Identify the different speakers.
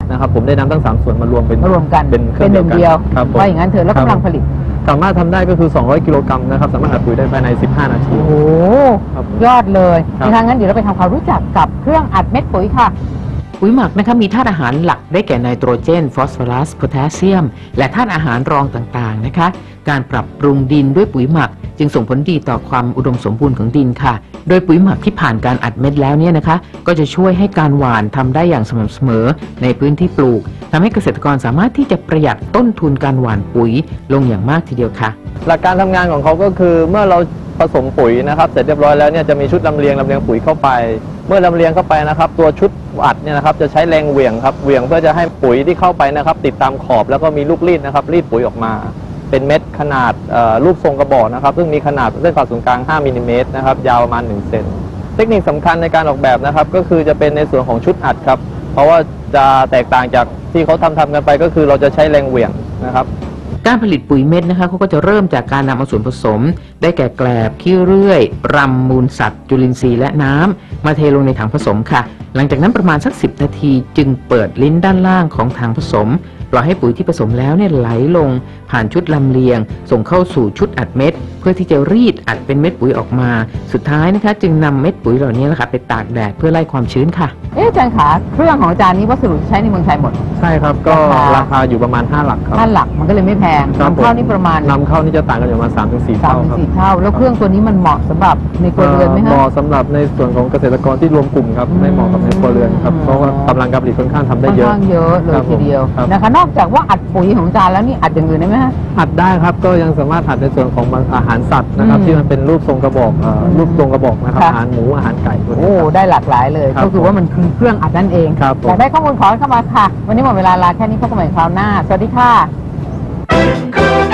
Speaker 1: นะครับผมได้นำทั้ง3ส่วนมารวม
Speaker 2: กันเป็นหนึ่งเดียวว่าอย่างนั้นเถอะแล้วกำลังผลิต
Speaker 1: สามารถทำได้ก็คือ200 กิโลกรัมนะครับสามารถอัดปุ๋ยได้ภายใน15 นาที
Speaker 2: โอ้ยอดเลยนะคะงั้นเดี๋ยวเราไปทำความรู้จักกับเครื่องอัดเม็ดปุ๋ยค่ะ
Speaker 3: ปุ๋ยหมักนะคะมีธาตุอาหารหลักได้แก่ไนโตรเจนฟอสฟอรัสโพแทสเซียมและธาตุอาหารรองต่างๆนะคะการปรับปรุงดินด้วยปุ๋ยหมักจึงส่งผลดีต่อความอุดมสมบูรณ์ของดินค่ะโดยปุ๋ยหมักที่ผ่านการอัดเม็ดแล้วเนี่ยนะคะก็จะช่วยให้การหว่านทำได้อย่างสม่ำเสมอในพื้นที่ปลูกทำให้เกษตรกรสามารถที่จะประหยัดต้นทุนการหว่านปุ๋ยลงอย่างมากทีเดียวค่ะ
Speaker 1: หลักการทำงานของเขาก็คือเมื่อเราผสมปุ๋ยนะครับเสร็จเรียบร้อยแล้วเนี่ยจะมีชุดลำเลียงปุ๋ยเข้าไปเมื่อลำเลียงเข้าไปนะครับตัวชุดอัดเนี่ยนะครับจะใช้แรงเหวี่ยงครับเหวี่ยงเพื่อจะให้ปุ๋ยที่เข้าไปนะครับติดตามขอบแล้วก็มีลูกรีดนะครับรีดปุ๋ยออกมาเป็นเม็ดขนาดรูปทรงกระบอกนะครับซึ่งมีขนาดเส้นผ่าศูนย์กลาง5 มิลลิเมตรนะครับยาวประมาณ1 เซนเทคนิคสำคัญในการออกแบบนะครับก็คือจะเป็นในส่วนของชุดอัดครับเพราะว่าจะแตกต่างจากที่เขาทำกันไปก็คือเราจะใช้แรงเหวี่ยงนะครับ
Speaker 3: การผลิตปุ๋ยเม็ดนะคะเขาก็จะเริ่มจากการนำเอาส่วนผสมได้แก่แกลบขี้เลื่อยรำมูลสัตว์จุลินทรีย์และน้ำมาเทลงในถังผสมค่ะหลังจากนั้นประมาณสัก10 นาทีจึงเปิดลิ้นด้านล่างของถังผสมปล่อยให้ปุ๋ยที่ผสมแล้วเนี่ยไหลลงผ่านชุดลำเลียงส่งเข้าสู่ชุดอัดเม็ดเพื่อที่จะรีดอัดเป็นเม็ดปุ๋ยออกมาสุดท้ายนะคะจึงนำเม็ดปุ๋ยเหล่านี้นะคะไปตากแดดเพื่อไล่ความชื้นค่ะ
Speaker 2: อาจารย์ขาเครื่องของอาจารย์นี้วัสดุใช้ในเมืองไทยหมด
Speaker 1: ใช่ครับก็ราคาอยู่ประมาณ5 หลักครับ
Speaker 2: 5 หลักมันก็เลยไม่แพงนำเข้านี่ประมาณ
Speaker 1: นำเข้านี่จะต่างกันอยู่ประมาณ3-4 เท่าครับ
Speaker 2: 3-4 เท่าแล้วเครื่องตัวนี้มันเหมาะสำหรับในครัวเรือนไหมคะ
Speaker 1: เหมาะสำหรับในส่วนของเกษตรกรที่รวมกลุ่มครับไม่เหมาะกับในครัวเรือนครับเพราะว่ากำลังการผลิตค่อนข้างทำได้เยอะ
Speaker 2: เลยทีเดียวนะคะนอกจากว่าอัดปุ๋ยของอาจารย์แล้วนี่อัดอย่างอื่นได้ไหมคะ
Speaker 1: อัดได้ครับก็ยังสามารถอัดในส่วนของอาหารสัตว์นะครับที่มันเป็นรูปทรงกระบอกนะครับอาหารหมูอาหารไก่
Speaker 2: โอ้ได้หลากหลายเลยก็คือว่ามันคือเครื่องอัดนั่นเองอยากได้ข้อมูลขอเข้ามาค่ะวันนี้หมดเวลาลาแค่นี้พบกันใหม่คราวหน้าสวัสดีค่ะ